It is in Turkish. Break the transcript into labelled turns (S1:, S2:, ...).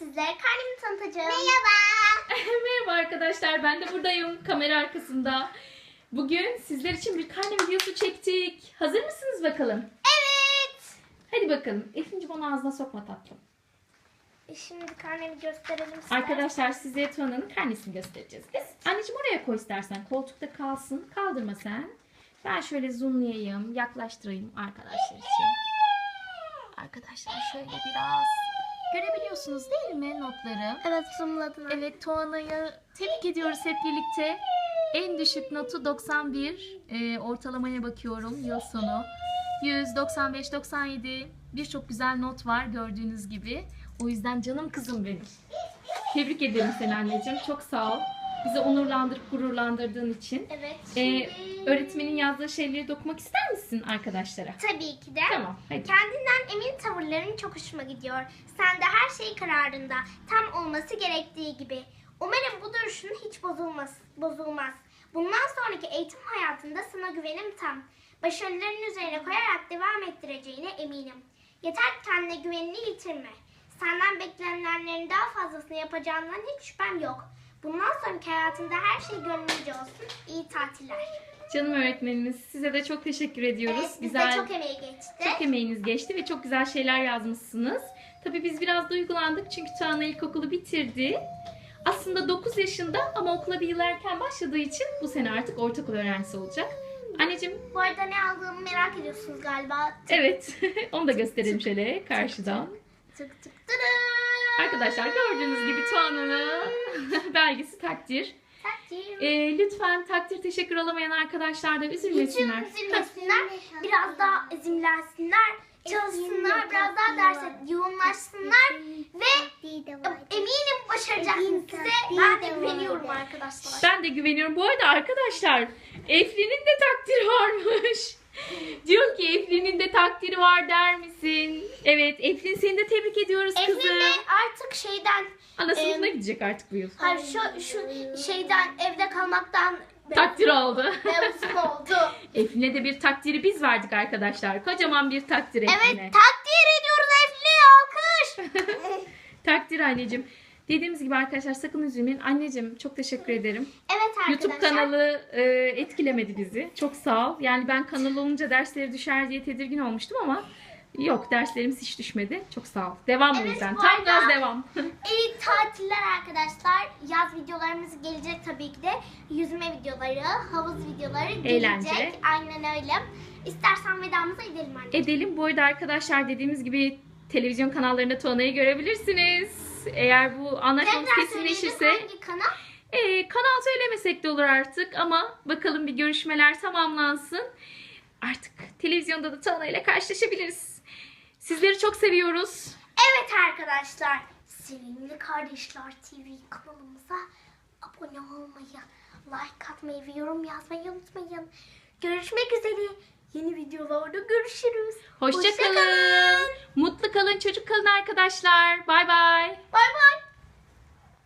S1: sizlere karnemi tanıtacağım. Merhaba.
S2: Merhaba arkadaşlar, ben de buradayım kamera arkasında. Bugün sizler için bir karne videosu çektik. Hazır mısınız bakalım?
S1: Evet.
S2: Hadi bakalım. Efe'cim onu ağzına sokma tatlım.
S1: Şimdi karnemi gösterelim size.
S2: Arkadaşlar size Tuana'nın karnesini göstereceğiz biz. Anneciğim oraya koy istersen. Koltukta kalsın. Kaldırma sen. Ben şöyle zoomlayayım, yaklaştırayım arkadaşlar için. Arkadaşlar şöyle biraz görebiliyorsunuz değil mi notları?
S1: Evet, zoomladım.
S2: Evet, Tuana'yı tebrik ediyoruz hep birlikte. En düşük notu 91. Ortalamaya bakıyorum yıl sonu. 100, 95, 97. Birçok güzel not var gördüğünüz gibi. O yüzden canım kızım benim. Tebrik ederim seni anneciğim. Çok sağ ol. Bizi onurlandırıp gururlandırdığın için.
S1: Evet.
S2: Öğretmenin yazdığı şeyleri okumak ister misin arkadaşlara?
S1: Tabii ki de.
S2: Tamam, hadi.
S1: Kendinden emin tavırların çok hoşuma gidiyor. Sen de her şey kararında, tam olması gerektiği gibi. Umarım bu duruşun hiç bozulmaz. Bundan sonraki eğitim hayatında sana güvenim tam. Başarıların üzerine koyarak devam ettireceğine eminim. Yeter ki kendine güvenini yitirme. Senden beklenenlerin daha fazlasını yapacağından hiç şüphem yok. Bundan sonraki hayatında her şey gönlünce olsun. İyi tatiller.
S2: Canım öğretmenimiz, size de çok teşekkür ediyoruz.
S1: Evet, bizde çok emeği geçti.
S2: Çok emeğiniz geçti ve çok güzel şeyler yazmışsınız. Tabii biz biraz duygulandık çünkü Tuana ilkokulu bitirdi. Aslında 9 yaşında ama okula bir yıl erken başladığı için bu sene artık ortaokul öğrencisi olacak. Anneciğim.
S1: Bu arada ne aldığımı merak ediyorsunuz galiba.
S2: Evet. Onu da gösterelim şöyle karşıdan.
S1: Tık tık tırı.
S2: Arkadaşlar gördüğünüz gibi Tuana'nın belgesi takdir.
S1: Takdir.
S2: Lütfen takdir teşekkür alamayan arkadaşlar da üzülmesinler.
S1: Hiç üzülmesinler. Biraz daha ezimlensinler. Çalışsınlar. Biraz daha derse yoğunlaşsınlar. Ve eminim başaracaksınız size. Ben de güveniyorum arkadaşlar.
S2: Ben de güveniyorum. Bu arada arkadaşlar Eflin'in de takdiri varmış. Diyor ki Eflin'in de takdiri var der misin? Evet, Eflin seni de tebrik ediyoruz kızım.
S1: Eflin de artık şeyden...
S2: Ana sınıfına gidecek artık bu yıl.
S1: Hayır, şu şeyden evde kalmaktan...
S2: Takdir aldı.
S1: Mevzum oldu.
S2: Eflin'e de bir takdiri biz verdik arkadaşlar. Kocaman bir takdir Eflin'e.
S1: Evet, takdir ediyoruz Eflin'e. Alkış.
S2: Takdir anneciğim. Dediğimiz gibi arkadaşlar sakın üzülmeyin. Anneciğim çok teşekkür ederim.
S1: Evet arkadaşlar.
S2: YouTube kanalı etkilemedi bizi. Çok sağ ol. Yani ben kanal olunca dersleri düşer diye tedirgin olmuştum ama yok, derslerimiz hiç düşmedi. Çok sağ ol. Devam o
S1: Evet,
S2: yüzden.
S1: bu
S2: Tam
S1: arada-
S2: gaz devam.
S1: İyi tatiller arkadaşlar. Yaz videolarımız gelecek tabii ki de. Yüzme videoları, havuz videoları gelecek.
S2: Eğlence.
S1: Aynen öyle. İstersen vedamızı edelim anne.
S2: Edelim. Bu arada arkadaşlar dediğimiz gibi televizyon kanallarında Tuana'yı görebilirsiniz. Eğer bu anlaşmamız
S1: Tekrar
S2: kesinleşirse
S1: söyleyelim, hangi kanal?
S2: kanal söylemesek de olur artık ama bakalım bir görüşmeler tamamlansın. Artık televizyonda da Tuana ile karşılaşabiliriz. Sizleri çok seviyoruz.
S1: Evet arkadaşlar. Sevimli Kardeşler TV kanalımıza abone olmayı, like atmayı ve yorum yazmayı unutmayın. Görüşmek üzere. Yeni videolarda görüşürüz.
S2: Hoşça kalın. Mutlu kalın, çocuk kalın arkadaşlar. Bay bay.
S1: Bay bay.